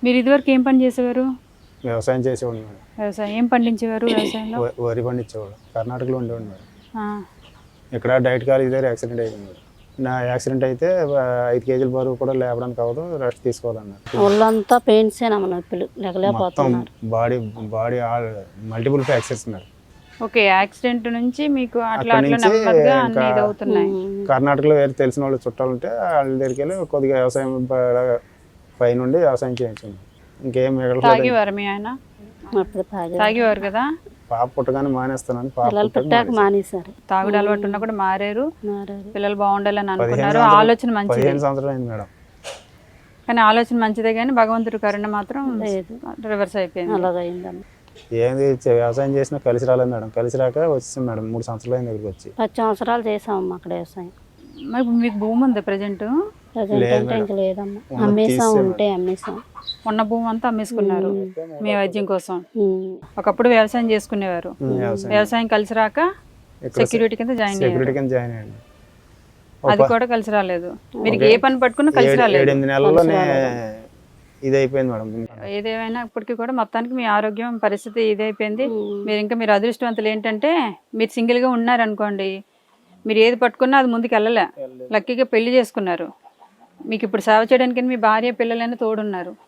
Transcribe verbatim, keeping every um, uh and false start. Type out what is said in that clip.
మీరు ఇదివరకు ఏం పని చేసేవారు? వ్యవసాయం చేసేవాడు మేడం. వ్యవసాయం ఏం పండించేవారు వ్యవసాయంలో? వ- వరి పండించేవాడు. కర్ణాటకలో ఉండేవాడు మేడం. ఆ, ఇక్కడ డైట్ కాలేజ్ దగ్గర యాక్సిడెంట్ అయింది మేడం. నా యాక్సిడెంట్ అయితే ఆ, ఐదు కేజీల బరువు కూడా లేపడానికి అవ్వదు, రెస్ట్ తీసుకోవాలన్నారు. ఒళ్ళంతా పెయిన్సేనమ్మ నొప్పులు మొత్తం లేకలేకపోతున్నారు. Body body multiple fractures madam. Okay, accident నుంచి మీకు అట్లా అక్కడి అట్లా నుంచి నెమ్మదిగా అన్ని ఇంకా ఇది అవుతున్నాయి. కర్ణాటకలో వేరే తెలిసిన వాళ్ళు చుట్టాలు ఉంటే వాళ్ళ దగ్గరికి వెళ్ళి కొద్దిగా వ్యవసాయం ప- పై నుండి వ్యవసాయం చేయించాను. ఇంకేం మిగలలేదు. తాగేవారు మీ ఆయన? అప్పుడు తాగి తాగేవారు కదా. పాప పుట్టగానే మానేస్తానని పాప పిల్లలు పుట్టాక పెట్టాక మానేశాను. మానేశారు. తాగుడు అలవాటు ఉన్నా కూడా మారారు. మారారు. పిల్లలు బాగుండాలని పదిహేను అనుకున్నారు. సంవత్సరాలు- ఆలోచన మంచిది, పదిహేను సంవత్సరాలు అయింది మేడం. కానీ ఆలోచన మంచిదే కానీ భగవంతుడి కరుణ మాత్రం లేదు. రివర్స్ అయిపోయింది. అలాగైందమ్మ. ఏంది చే- వ్యవసాయం చేసినా కలిసి రాలేదు మేడం. కలిసి రాక వచ్చేసాం మేడం. మూడు సంవత్సరాలు అయింది దగ్గరికి వచ్చి. పది సంవత్సరాలు చేసామమ్మ అక్కడ వ్యవసాయం. మరి ఇప్పుడు మీకు భూమి ఉంది ప్రజెంట్? ప్రజెంట్ లేదు అంటే మేడం. ఇంక లేదమ్మా. ఉన్నది అమ్మేసాం, తీసేసాం. ఉంటే అమ్మేసాం. ఉన్న భూమి అంతా అమ్మేసుకున్నారు మీ వైద్యం కోసం. ఉమ్. ఒకప్పుడు వ్యవసాయం చేసుకునేవారు. ఉమ్, వ్యవసాయం వ్యవసాయం కలిసి రాక ఇక్కడ సెక్యూరిటీ కింద జాయిన్ అయ్యారు. సెక్యూరిటీ కింద జాయిన్ అయ్యాను. అది కూడా కలిసి రాలేదు. మీరు ఏ పని పట్టుకున్నా కలిసి ఏడు- రాలేదు. ఏడెనిమిది నెలల్లోనే ఇది అయిపోయింది మేడం. ఏదేమైనా ఇప్పటికీ కూడా మొత్తానికి మీ ఆరోగ్యం పరిస్థితి ఇదైపోయింది. మీరు ఇంకా మీరు అదృష్టవంతులు ఏంటంటే మీరు సింగిల్గా ఉన్నారనుకోండి, మీరు ఏది పట్టుకున్నా అది ముందుకు వెళ్ళలే. లక్కీగా పెళ్లి చేసుకున్నారు. మీకు ఇప్పుడు సేవ చేయడానికి మీ భార్య పిల్లలైనా తోడున్నారు.